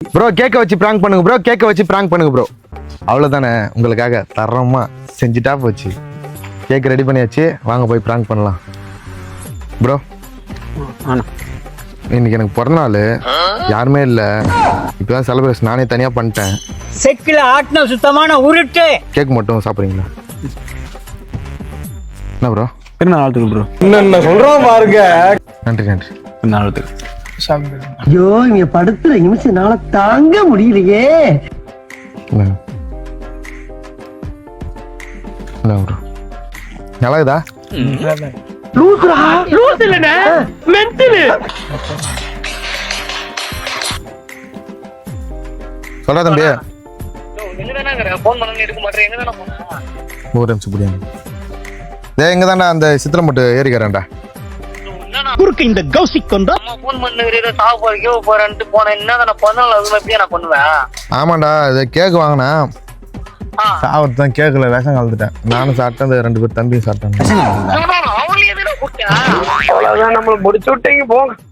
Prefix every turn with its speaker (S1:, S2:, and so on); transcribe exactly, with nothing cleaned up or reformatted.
S1: Bro கேக்க வச்சு prank பண்ணுங்க ப்ரோ கேக்க வச்சு பிராங்க் பண்ணுங்க ப்ரோ அவ்வளோதானே உங்களுக்காக தரமா செஞ்சுட்டா போச்சு கேக் ரெடி பண்ணியாச்சு வாங்க போய் பிராங்க் பண்ணலாம் ப்ரோ இன்னைக்கு எனக்கு பிறந்த நாள் யாருமே இல்லை இப்போதான் செலிப்ரேஷன் நானே தனியாக பண்ணிட்டேன்
S2: செக்கில் ஆட்டின சுத்தமான உருட்டு
S1: கேக் மட்டும் சாப்பிட்றீங்களா என்ன ப்ரோ
S3: என்ன நாளத்துக்கு ப்ரோ
S4: என்ன சொல்றோம் பாருங்க.
S1: நன்றி நன்றி
S3: நாளத்துக்கு
S5: ஐயோ இங்க படுத்துற நிமிஷம் நாள தாங்க முடியலையே.
S1: என்ன ப்ரோ நல்லா இதா
S5: லூசுரா லூசு இல்லனே மென்டல்.
S1: சொல்றா தம்பி
S6: எங்க தானே போன் பண்ண எடுக்க மாட்டேன் எங்க தானே போன
S1: ஒரு நிமிஷம் புரியாது டேய் எங்க தானே அந்த சித்திரம் மட்டும் ஏறிக்கிறேன்டா
S2: குறுக்கு இந்த கௌசிக் கொண்டா
S6: அம்மா போன் பண்ணுங்க ஏதோ சாவு போறீங்க போறேன்ட்டு போனேன் என்ன தானே பண்ணல அது எப்படியா நான் பண்ணுவேன்
S1: ஆமாண்டா இது கேக் வாங்கினேன் சாவத்து தான் கேட்கல விஷம் கலந்துட்டேன் நானும் சாப்பிட்டேன் அந்த ரெண்டு பேர் தம்பியும் சாப்பிட்டாங்க
S6: அவங்களே எதுனா கூப்பிட்டேன்
S4: அவ்வளவுதான் நம்மள முடிச்சு விட்டீங்க போங்க.